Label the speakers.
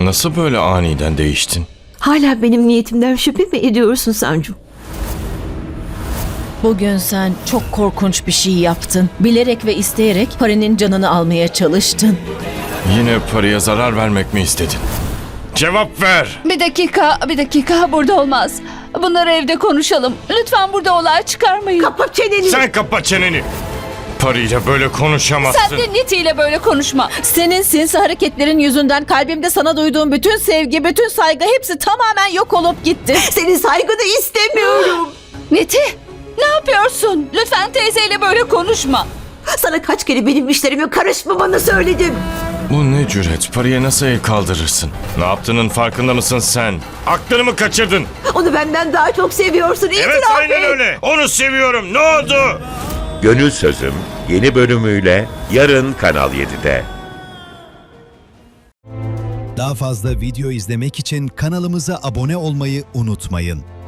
Speaker 1: Nasıl böyle aniden değiştin?
Speaker 2: Hala benim niyetimden şüphe mi ediyorsun Sancu?
Speaker 3: Bugün sen çok korkunç bir şey yaptın. Bilerek ve isteyerek Pari'nin canını almaya çalıştın.
Speaker 1: Yine paraya zarar vermek mi istedin? Cevap ver!
Speaker 4: Bir dakika burada olmaz. Bunları evde konuşalım. Lütfen burada olay çıkarmayın.
Speaker 2: Kapa çeneni!
Speaker 1: Sen kapa çeneni! Parayla böyle konuşamazsın.
Speaker 4: Sen de Niti ile böyle konuşma.
Speaker 3: Senin sinsi hareketlerin yüzünden kalbimde sana duyduğum bütün sevgi, bütün saygı hepsi tamamen yok olup gitti.
Speaker 2: Senin saygını istemiyorum.
Speaker 4: Niti, ne yapıyorsun? Lütfen teyzeyle böyle konuşma.
Speaker 2: Sana kaç kere benim işlerime karışmamanı söyledim.
Speaker 1: Bu ne cüret? Paraya nasıl el kaldırırsın? Ne yaptığının farkında mısın sen? Aklını mı kaçırdın?
Speaker 2: Onu benden daha çok seviyorsun.
Speaker 1: Evet,
Speaker 2: İtiraf
Speaker 1: aynen
Speaker 2: et.
Speaker 1: öyle. Onu seviyorum. Ne oldu?
Speaker 5: Gönül Sözüm yeni bölümüyle yarın Kanal 7'de.
Speaker 6: Daha fazla video izlemek için kanalımıza abone olmayı unutmayın.